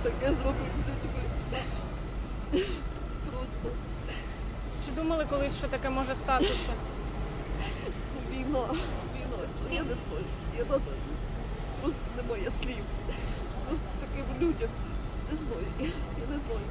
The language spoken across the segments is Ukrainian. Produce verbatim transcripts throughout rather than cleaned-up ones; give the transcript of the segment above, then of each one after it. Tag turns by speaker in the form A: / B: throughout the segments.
A: таке зробити з людьми. Просто
B: Чи думали колись, що таке може статися?
A: війна, війна. Я не знаю. Я навіть просто немає слів. Просто таким людям. Не знаю. Я не знаю.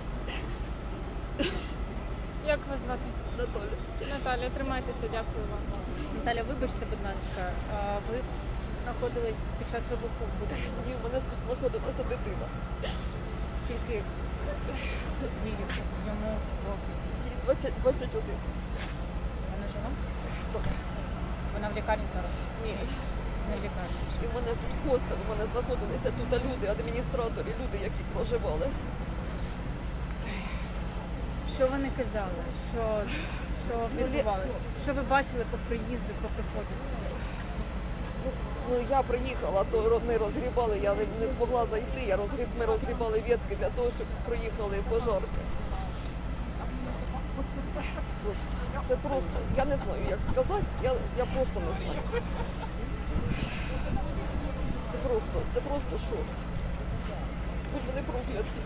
B: Як вас звати?
A: Наталя.
B: Наталія, тримайтеся, дякую вам.
C: Наталя, вибачте, будь ласка, а ви знаходились під час вибуху в будинку.
A: І в мене тут знаходилася дитина.
C: Скільки їй йому років?
A: Їй двадцять, двадцять один.
C: Вона жива?
A: Так.
C: Вона в лікарні зараз?
A: Ні.
C: Не в лікарні.
A: І в мене тут хостел, у мене знаходилися тут люди, адміністратори, люди, які проживали.
C: Що вони казали? Що, що відбувалося? Що ви бачили по приїзду, по приходу сюди?
A: Ну, я приїхала, то ми розгрібали, я не, не змогла зайти, я розгріб, ми розгрібали ветки для того, щоб проїхали пожарки. Це просто, це просто, я не знаю, як сказати, я, я просто не знаю. Це просто, це просто шок. Будь вони прокляті.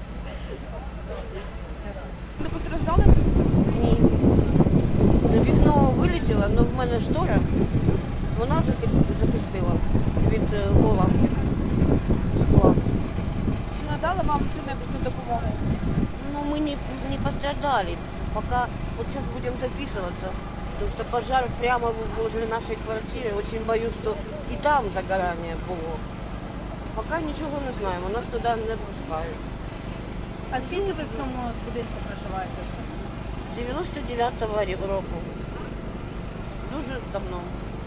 B: Не постраждали?
D: Ні. Вікно вилетіло, але в мене штора, вона захи- захистила від е, уламків скла.
B: Чи надали вам що-небудь на допомогу?
D: Ну, мы не, не пострадали. Пока вот сейчас будем записываться, потому что пожар прямо возле нашей квартиры. Очень боюсь, что и там загорание было. Пока нічого не знаємо, нас туди не пускають.
C: А скільки ви в цьому будинку проживаєте вже?
D: З дев'яносто дев'ятого року. Дуже давно.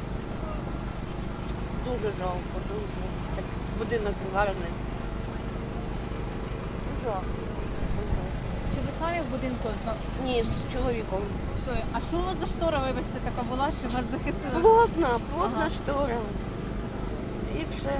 D: Дуже жалко, дуже. Так, будинок гарний. Ужасно.
C: Чи ви самі в будинку зна...
D: Ні, з чоловіком.
C: Що? А що у вас за штора, вибачте, така була, що вас захистила?
D: Плотна, плотна
C: Ага.
D: штора. І все.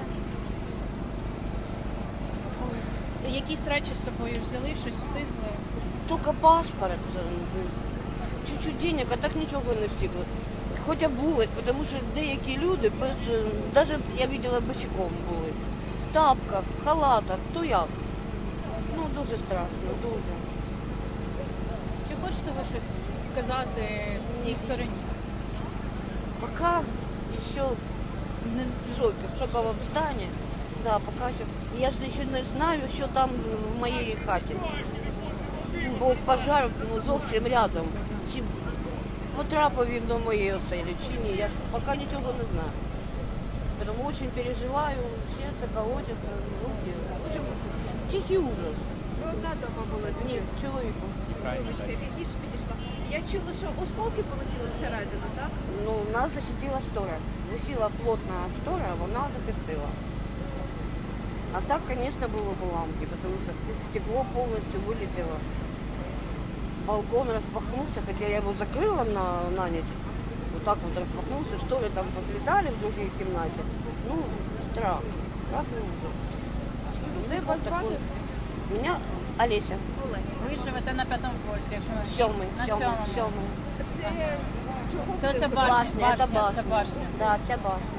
C: Якісь речі з собою взяли, щось встигли?
D: Тільки паспорт. Чуть-чуть денег, а так нічого не встигли. Хоч обулась, тому що деякі люди без, навіть я бачила босиком були. В тапках, в халатах, то як. Ну, дуже страшно, дуже.
C: Чи хочете ви щось сказати тій стороні?
D: Пока ще
C: Не...
D: в шокі, в шоковому стані. Да, пока ще. Я ж ще не знаю, що там в моїй хаті. Бо пожар ну, зовсім рядом. Чи потрапив він до моєї оселі, чи ні. Я ж поки нічого не знаю. Тому дуже переживаю, серце колотиться, руки. В общем, тихий ужас.
E: Ви одна дома була
D: Ні,
E: тоді?
D: з чоловіком.
E: Вибачте, я пізніше підійшла. Я чула, що осколки полетіли всередину, так?
D: Ну, нас защитила штора. Висіла плотна штора, вона захистила. А так, конечно, было бы ламки, потому что стекло полностью вылетело. Балкон распахнулся, хотя я его закрыла на, на ночь. Вот так вот распахнулся, шторы там послетали в другой комнате. Ну, страх. Страх и ужас. Все
E: Як вас звати?
D: такое. Меня Олеся.
E: Олесь.
C: Ви живете на п'ятому поверсі, якщо ми...
D: Сьомий,
C: На
D: сьомий,
C: сьомому.
D: сьомий.
E: Це чого
C: Це оця
E: ви-
C: башня,
D: Башня, це
C: башня, це
D: башня.
C: башня.
D: Да, ця башня.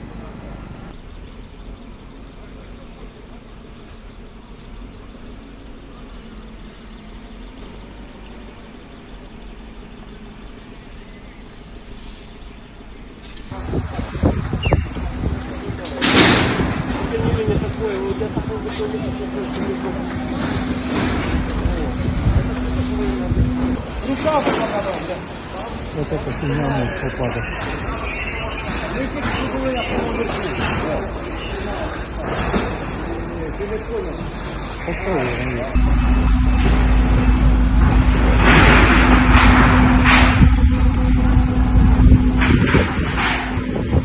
F: Вот эта фигня может попадать. Попробуй.